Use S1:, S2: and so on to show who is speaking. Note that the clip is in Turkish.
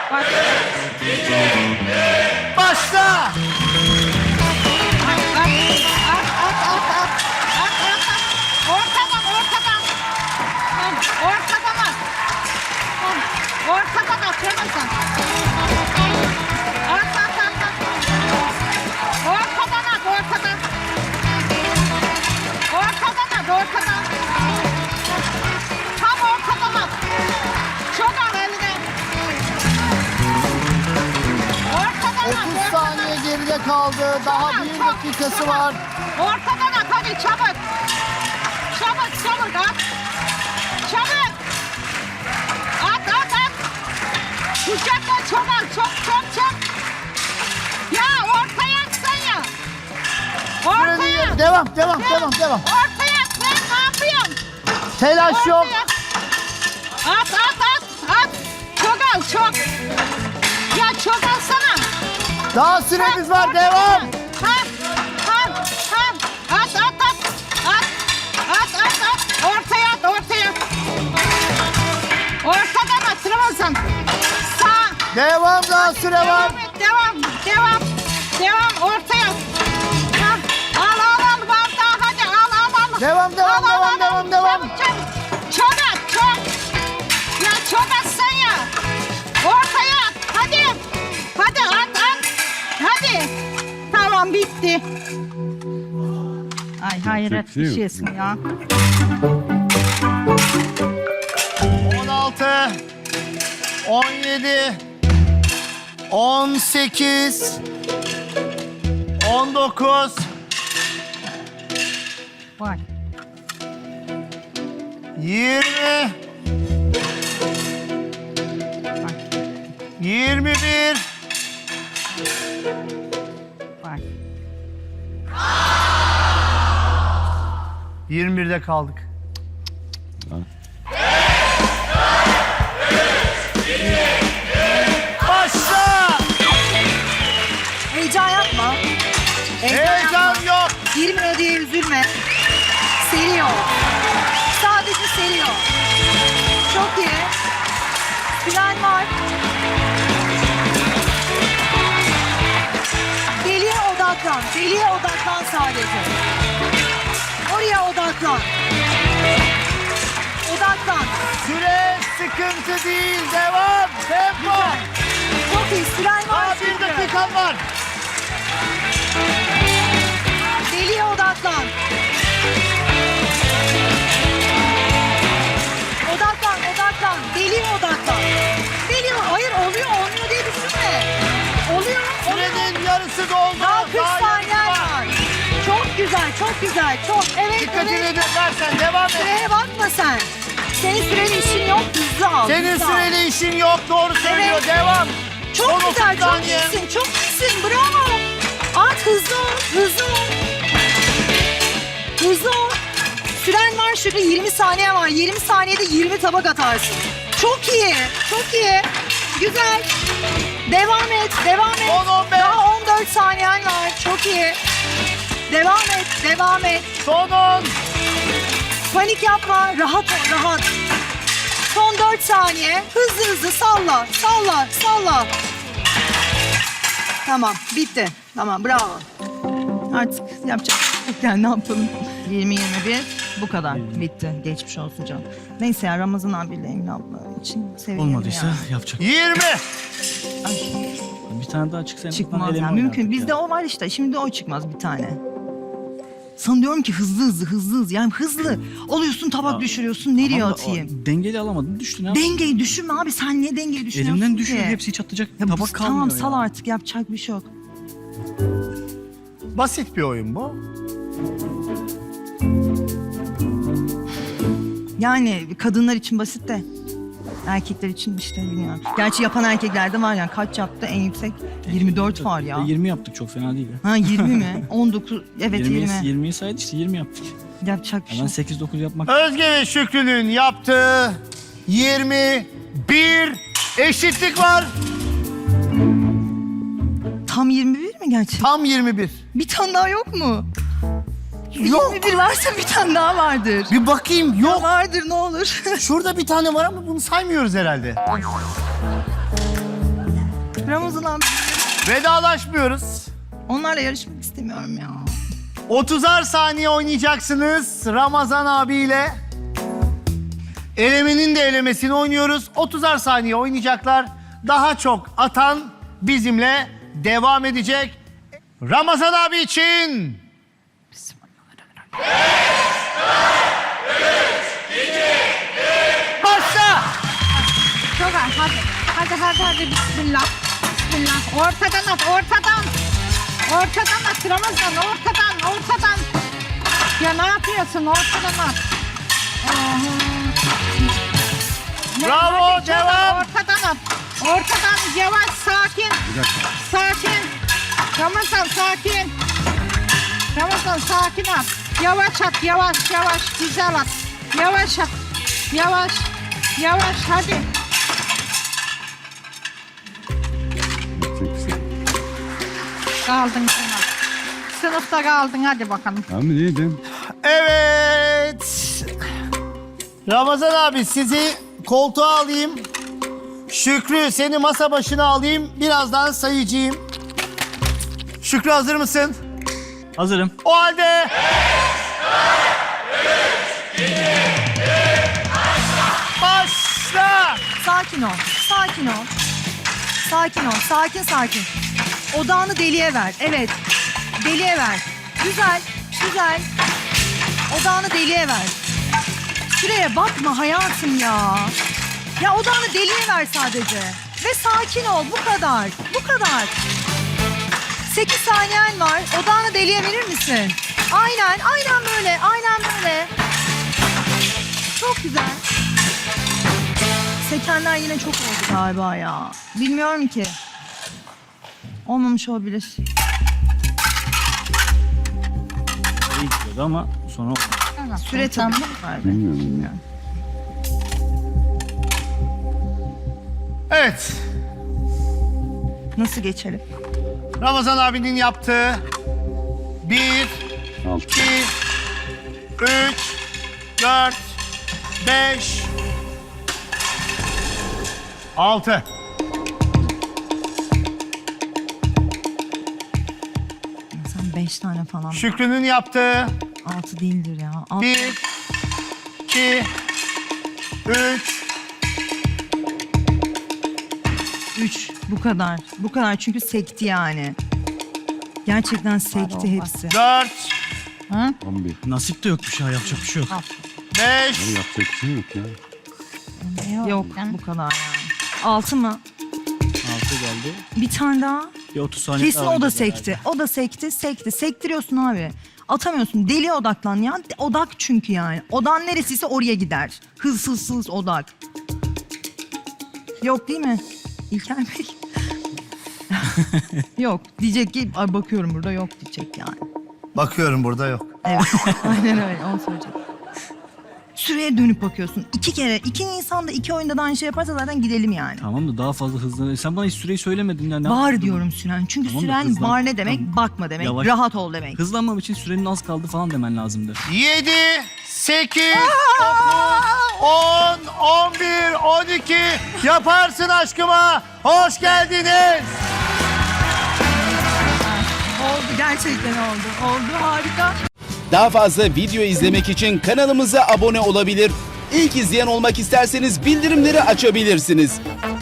S1: Başla.
S2: Ortadan atıyorsun. Ortadan at, ortadan. Ortadan at, ortadan. Tam ortadan at. Çok al eline. Ortadan at,
S1: 30
S2: ortadan.
S1: saniye geride kaldı. Daha
S2: Çok,
S1: 1
S2: çok,
S1: dakikası
S2: çok.
S1: var.
S2: Ortadan at, hadi çabuk. Çabuk, çabuk at. Çabuk. At, at, at. Kucakla çok al, çok, çok, çok. Ya ortaya atsan ya. Ortaya.
S1: Devam.
S2: Ortaya at, ben ne yapıyorum?
S1: Telaş yok.
S2: Ortaya. At, at, at, at. Çok al, çok. Ya çok alsana.
S1: Daha süremiz var.
S2: Ortadan
S1: Devam.
S2: at. At, at, at. At, at, at, at. Ortaya at, ortaya at. Ortadan at, Ramazan. Sağ.
S1: Devam, daha süre var.
S2: Devam et, devam. Devam, ortaya at. Al, al, var daha, hadi al.
S1: Devam.
S2: Çabuk, çabuk. Çok at, çok. Ya çok atsan ya. Ortaya at, hadi. Hadi at. Hadi. Tamam, bitti. Ay hayret bir şeysin ya.
S1: 16, 17, 18, 19,
S2: Vay.
S1: 20, 21,
S2: Vay.
S1: 21'de kaldık. Başla!
S3: Heyecan yapma.
S1: Heyecan yok.
S3: Girmiyor diye üzülme. Seriyor. Sadece seriyor. Çok iyi. Süren var. Deliye odaklan. Deliye odaklan sadece. Oraya odaklan. Odaklan.
S1: Süre sıkıntı değil. Devam. Tempo.
S3: Çok iyi. Süren var.
S1: Daha 1
S3: çünkü.
S1: dakikan var.
S3: Deliye odaklan. Odaklan. Deliye odaklan. Deliye. Hayır olmuyor diye düşünme. Oluyor.
S1: Sürenin yarısı doldu.
S3: Daha 40
S1: Daha
S3: saniyen
S1: yarısı
S3: var. Çok güzel. Çok. Evet,
S1: Dikkatini
S3: evet.
S1: edersen devam et.
S3: Süreye bakma sen. Senin süreli işin yok. Hızlı al.
S1: Senin
S3: hızlı al.
S1: süreli işin yok. Doğru söylüyor.
S3: Evet.
S1: Devam.
S3: Çok
S1: Son
S3: güzel.
S1: 30
S3: Çok
S1: saniye.
S3: iyisin. Çok iyisin. Bravo. At hızlı ol. Hızlı ol. Süren var şurada 20 saniye var. 20 saniyede 20 tabak atarsın. Çok iyi. Güzel. Devam et.
S1: Son 15.
S3: Daha 14 saniyen var. Çok iyi. Devam et.
S1: Son 10.
S3: Panik yapma. Rahat ol. Son 4 saniye. Hızlı salla. Tamam. Bitti. Tamam. Bravo. Artık yapacak. Yani ne yapalım? 20-21 bu kadar. Bitti. Geçmiş olsun canım. Neyse ya Ramazan abiyle Emine abla için seviyorum.
S4: Olmadıysa
S3: yani.
S4: yapacak.
S1: 20.
S3: Ay,
S4: Bir tane daha çıksa
S3: çıkmaz yani. Mümkün. Bizde o var işte. Şimdi o çıkmaz bir tane. Sana diyorum ki hızlı. Yani hızlı. Oluyorsun tabak düşürüyorsun. Nereye atayım?
S4: Dengeli alamadın düştün ya.
S3: Dengeyi düşünme abi. Sen niye dengeyi düşünüyorsun
S4: Elimden
S3: ki?
S4: düşüyor hepsi çatlayacak.
S3: Ya
S4: Tabak kalmıyor
S3: tamam
S4: ya.
S3: sal artık. Yapacak bir şey yok.
S1: Basit bir oyun bu.
S3: Yani kadınlar için basit de erkekler için işte bilmiyorum. Gerçi yapan erkekler de var yani. Kaç yaptı en yüksek? 24 var ya.
S4: 20 yaptık çok fena değil ya.
S3: Ha 20 mi? 19. Evet 20.
S4: 20'yi saydı işte 20 yaptık.
S3: Yapacak bir şey
S4: Ben
S3: yok.
S4: 8-9 yapmak.
S1: Özge ve Şükrü'nün yaptığı 21 eşitlik var.
S3: Tam 21 mi gerçekten?
S1: Tam 21.
S3: Bir tane daha yok mu?
S1: Yok.
S3: 21 varsa bir tane daha vardır.
S1: Bir bakayım. Yok.
S3: Vardır ne olur.
S1: Şurada bir tane var ama bunu saymıyoruz herhalde.
S3: Ramazan abi.
S1: Vedalaşmıyoruz.
S3: Onlarla yarışmak istemiyorum ya.
S1: 30'ar saniye oynayacaksınız Ramazan abiyle. Elemenin de elemesini oynuyoruz. 30'ar saniye oynayacaklar. Daha çok atan bizimle devam edecek. Ramazan abi için... Başla!
S2: Çok az, hadi. Bismillah. Ortadan at, ortadan. Ortadan at Ramazan, ortadan. Ya ne yapıyorsun? Ortadan at.
S1: Bravo,
S2: Hadi,
S1: devam.
S2: Ortadan at. Ortadan yavaş, sakin. Sakin. Ramazan sakin. Ramazan sakin at. Yavaş at, yavaş. Güzel at. Yavaş at. Yavaş, hadi. Kaldın sen. Sınıfta kaldın, hadi bakalım.
S5: Abi neydi?
S1: Evet. Ramazan abi sizi koltuğa alayım. Şükrü seni masa başına alayım. Birazdan sayacağım. Şükrü hazır mısın?
S4: Hazırım.
S1: O halde... Başla!
S3: Sakin ol. Sakin. Odağını deliğe ver. Evet. Deliğe ver. Güzel. Odağını deliğe ver. Süreye bakma hayatım ya. Ya odağını deliğe ver sadece. Ve sakin ol. Bu kadar. 8 saniyen var. Odağını deliğe verir misin? Aynen böyle. Çok güzel. Sekenler yine çok oldu galiba ya. Bilmiyorum ki. Olmamış olabilir.
S4: İyi gidiyordu ama sonra olmadı.
S3: Süre tabii.
S5: Bilmiyorum.
S1: Evet.
S3: Nasıl geçelim?
S1: Ramazan abinin yaptığı 1,
S5: 6.
S1: 2, 3, 4, 5, 6.
S3: Sen 5 tane falan.
S1: Şükrü'nün yaptığı
S3: 6 değildir ya.
S1: 1, 2, 3,
S3: 3. Bu kadar çünkü sekti yani. Gerçekten sekti hepsi.
S1: 4,
S5: 11.
S4: Nasip de yokmuş ya, yapacak bir şey yok.
S1: 5,
S5: Abi yapacak bir şey yok ya.
S3: Yok bu kadar yani. 6 mı?
S4: 6 geldi.
S3: Bir tane daha.
S4: Bir 30 saniye
S3: Kesin
S4: daha
S3: o da
S4: oynayacağız
S3: sekti.
S4: herhalde.
S3: O da sekti. Sektiriyorsun abi. Atamıyorsun. Deliye odaklan ya. Odak çünkü yani. Odan neresiyse oraya gider. Hız odak. Yok değil mi? İlker Bey. Yok. Diyecek ki ay bakıyorum burada yok diyecek yani.
S1: bakıyorum burada yok.
S3: Evet. Aynen öyle. Onu söyleyecek. Süreye dönüp bakıyorsun. 2 kere. 2 Nisan'da 2 oyunda da aynı şey yaparsa zaten gidelim yani.
S4: Tamam da daha fazla hızlı. Sen bana hiç süreyi söylemedin ya. Ne
S3: Var
S4: yaptın?
S3: diyorum süren. Çünkü
S4: Tamam da
S3: süren
S4: hızlan.
S3: var ne demek?
S4: Tamam.
S3: Bakma demek.
S4: Yavaş.
S3: Rahat ol demek.
S4: Hızlanmam için sürenin az kaldı falan demen lazımdı.
S1: 7, 8, 10, 11, 12 yaparsın aşkıma. Hoş geldiniz.
S3: Oldu gerçekten oldu. Oldu harika.
S6: Daha fazla video izlemek için kanalımıza abone olabilir. İlk izleyen olmak isterseniz bildirimleri açabilirsiniz.